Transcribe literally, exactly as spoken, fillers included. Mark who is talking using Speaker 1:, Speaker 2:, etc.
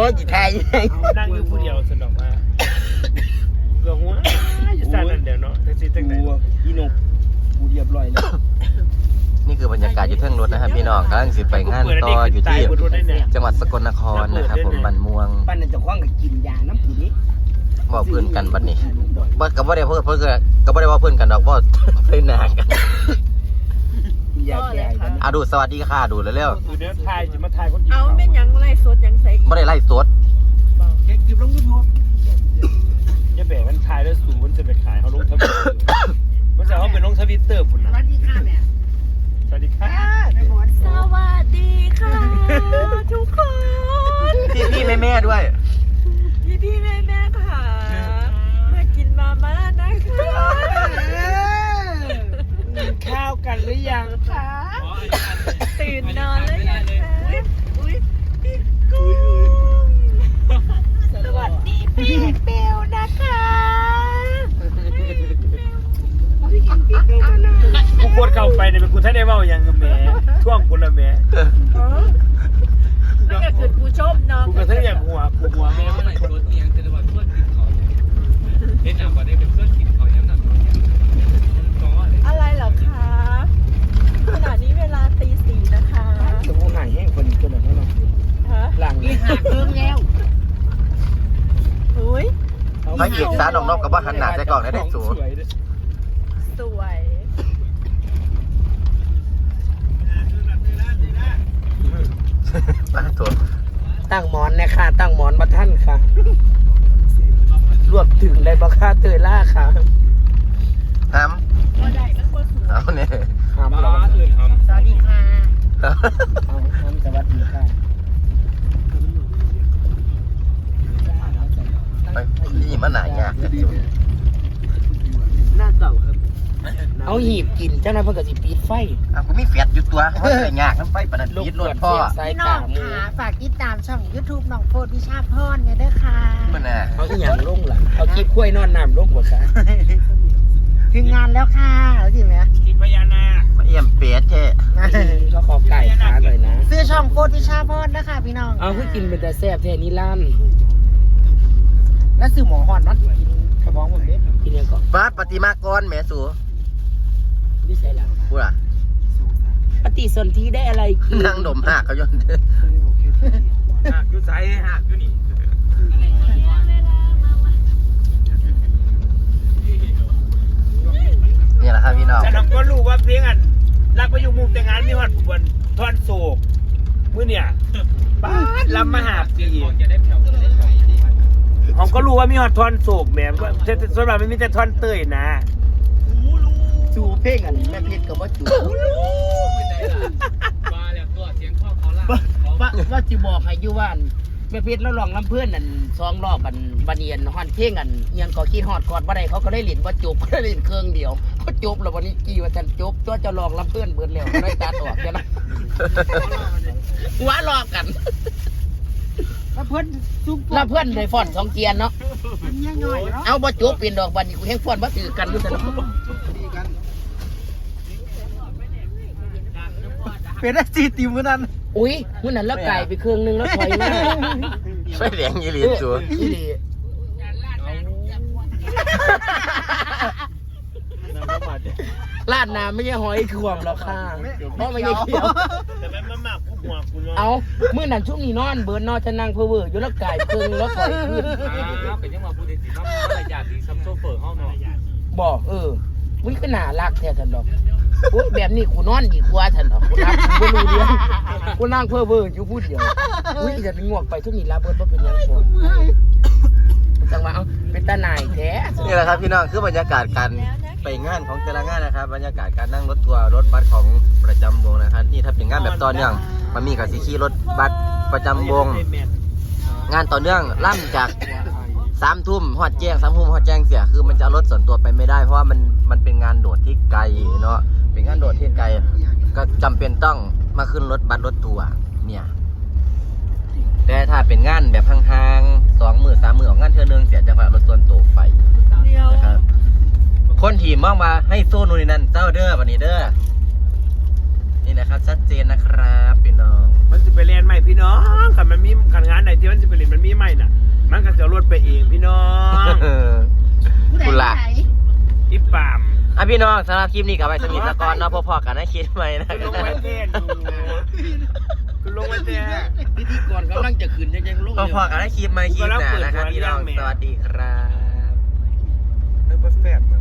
Speaker 1: ยจีไทย
Speaker 2: นั่งอยู่ผู้เดียวสนุกมากเกือบหัวจะสั่นนั่นเดี๋ยวเนาะจะซีตั้งแต่อีนกผู้เรียบร้อยแล้ว
Speaker 1: นี่คือบรรยากาศอยู่เทิงรถนะครับพี่น้องกำลังสิไปงานต่ออยู่ที่จังหวัดสกลนครนะครับผมบันม่วง
Speaker 3: ปั้นจะคว้างกับกินยาน้ำผีนี้
Speaker 1: บอกเพื่อนกันบัดนี้บ่กับว่าได้เพื่อนเพื่อนก็บ่ได้ว่าเพื่อนกันดอกว่าเพื่อนหนากันอาดูสวัสดีค่ะดูเร็ว
Speaker 2: ๆคือเนื้อไทยจะมาไทยคน
Speaker 4: เอาเป็นยังไล่สดยังใส่
Speaker 1: ไม่ได้ไล่สด
Speaker 3: เก็บกิบลงยูทูบ
Speaker 2: จะแบ่งมันไทยแล้วสูมันจะไปขายเขาลงทวิตเตอร์มันจะเขาเป็นลงทวิตเตอร์ปุ่นนะ
Speaker 3: สวัสดีค่ะแม่
Speaker 2: สวัสดีค่ะ
Speaker 4: สวัสดีค่ะทุกคน
Speaker 1: พี่พี่แม่แม่ด้วย
Speaker 4: พี่พี่แม่แม่ค่ะมากินมาม่านะคะ
Speaker 2: ข้าวกันหรือยังคะ
Speaker 4: ตื่นนอนแล้วยังคะอุ้ยพี่กุ้งสวัสดีพี่เบลนะคะ
Speaker 2: กูกดเข้าไปเนี่ยเป็นกูท่านได้เว่าอย่างแหมช่วงกูละแหม
Speaker 4: นั่นก็คือผู้ชมเนาะ
Speaker 2: กูกระเทยอย่างหัวกูหัวแม่ไม่คนเอียงจะว่าเพื่อนกินเขาเห็นหนังว่าได้เป็นเพื่อนกินเขายังหนัง
Speaker 4: อะไรเหรอคะขณะนี้เวลาตีสี่นะคะ
Speaker 2: จะพูดหายแห้งคนคนไหนเนาะหลัง
Speaker 3: อีหักเพิ่มแล้ว
Speaker 4: อุ้ย
Speaker 1: พระเอกสารนอกกับว่าหันหน้าใจกล่องได้ได้สูง
Speaker 4: สวย
Speaker 3: ตั้งหมอนนะค่ะตั้งหมอนมาท่านค่ะรวบถึงได้บ่ค่าเตยล่าค่ะ
Speaker 1: ทำเอาเนี่ย
Speaker 3: ทำเราสวัสดีค่ะทำสวัสดีค่ะ
Speaker 1: นี่มันหนายาก
Speaker 3: หน้าเก่าครับเอาหีบกินเจ้านายเพิ่งกับสิปีดไฟ
Speaker 1: อ่ะกูมีแฟดอยู่ตัวเขาเลยยากน้ำไฟประดับปีดรถพ่อ
Speaker 5: พี่น้องค่ะฝากติดตามช่อง ยูทูบ น้องโฟดวิชาพรเนี่ยด้วยค่ะ
Speaker 1: มันน่ะ
Speaker 3: เขาที่อย่างลุ่งล่ะเอาคลิปกล้วยนอนน้ำลุ่งกว่าค่ะ
Speaker 5: ถึงงานแล้วค่ะเอาจริงไหม
Speaker 2: กินพญานา
Speaker 1: คมาเอี่ยมเป็ดเจ๊
Speaker 3: ก็ขอไก่ขาหน่อยนะ
Speaker 5: ซื้อช่องโฟดวิชาพรนะคะพี่น้อง
Speaker 3: เอาให้กินเป็นแต่แซ่บแท้นี่ล้าน
Speaker 5: แล้วซื้อหมอหอนนัดกินกระบองหมดเลย
Speaker 3: กินยังก่อน
Speaker 1: ฟ้าปฏิมากรแม่สู
Speaker 3: นี่ใส่ละ
Speaker 1: พูดอ่ะ
Speaker 3: ปฏิสนธิได้อะไร
Speaker 1: นั่งดมหักเขาย้อน
Speaker 2: หักอยู่ใจหักอยู่นี่
Speaker 1: นี่แหละครับพี่น้อง
Speaker 2: ฉันก็รู้ว่าเพลงอันรักไปอยู่มุมแต่งงานมีหอดบนทอนโศกมื้อเนี่ยป้าลำมหาปีผมก็รู้ว่ามีหอดทอนโศกแหมก็ส่วนมากไม่มีแต่ทอนเตยนะ
Speaker 3: จูเพลงอันแม่เพชรกับว่าจู
Speaker 2: มาแล้วตัวเสียงข้อเขาล่ะ
Speaker 3: ว่าว่าจีบอกให้ยูว่านแม่เพชรแล้วลองลำเพื่อนอันซองรอบอันบันเนียนฮอนเพลงอันยังก่อขี้ฮอดกอดว่าใดเขาก็ได้หลินว่าจบก็ได้หลินเครื่องเดียวเขาจบแล้ววันนี้กี่วันจันจบตัวจะลองลำเพื่อนเบิดแล้วได้ตัดออกใช่ไหมว้าลอกกัน
Speaker 5: แล้วเพื่อน
Speaker 3: แล้วเพื่อนในฟอนสองเกียร์เนาะเอาบ่จบเป็นดอกบันนี้กูแห้งฟอนบ่ถือกันด้วยกัน
Speaker 2: เป็นได้จีติมกันนั่น
Speaker 3: อุ้ยมื้อนั้นแล้วไก่ไปเครื่องนึงแล้วถอยมา
Speaker 1: ไฟแดงยี่หลีสู
Speaker 3: ยี่หลีลาดน้ำไม่ใช่หอยขวมหรอกค่ะเพราะไม่ใช่เขียว
Speaker 2: แต่แม่มาหมักผู้หัวคุณ
Speaker 3: เอามื้อนั้นช่วงนี้นอนเบิร์นนอนจะนั่งเพ้อเวออยู่แล้วไก่เครื่องแล้วถอยขึ้น
Speaker 2: เป็นยังมาพูดถึงว่าอะไรอยากดีซัมโซเฟอร์ห้องนอน
Speaker 3: บอกเออวิ่งขึ้นหน้าลากแท้ทันดอกโอ้ยแบบนี้กูนอนดีกว่าทันดอกกูนั่งกูรู้เรื่องกูนั่งเพ้อเวออยู่พูดเดียวอุ้ยจะงวกไปช่วงนี้ลาเบิร์นเพราะเป็นยังไงจังหวะเอาเป็นตาหน่ายแท้
Speaker 1: นี่แหละครับพี่น้องคือบรรยากาศการไปงานของแต่ละงานนะครับบรรยากาศการนั่งรถทัวร์รถบัสของประจำวงนะครับนี่ถ้าเป็นงานแบบตอนเนื่องมันมีกับซีขี่รถบัสประจำวงงานต่อเนื่องล่ำจากสามทุ่มหอดแจ้งสามทุ่มหอดแจ้งเสียคือมันจะรถส่วนตัวไปไม่ได้เพราะว่ามันมันเป็นงานโดดที่ไกลเนาะเป็นงานโดดที่ไกลก็จำเป็นต้องมาขึ้นรถบัสรถทัวร์เนี่ยแต่ถ้าเป็นงานแบบห่างๆสองหมื่นสามหมื่นของงานเทือนึงเสียจังหวะรถส่วนตัวไปนะครับคนทีมมองมาให้โซนูนี่นั่นเจ้าเด้อวันนี้เด้อนี่นะครับชัดเจนนะครับพี่น้อง
Speaker 2: มันจะไปเรียนใหม่พี่น้องค่ะมันมีการงานไหนที่มันจะไปเรียนมันปาม
Speaker 1: อ่ะพี่น้องสำหรับคลิปนี้กับไปสมิธกรเนาะพอๆกันนะคิดไหมนะ
Speaker 2: คุณลงไว้เทนดูคุณลงไว้เทน
Speaker 3: พิธีกรกำลังจะขึ้นยังๆลง
Speaker 1: พอๆกันนะคลิปไหมคลิปหน้านะครับพี่น้องสวัสดีครับ
Speaker 2: เออแฟบ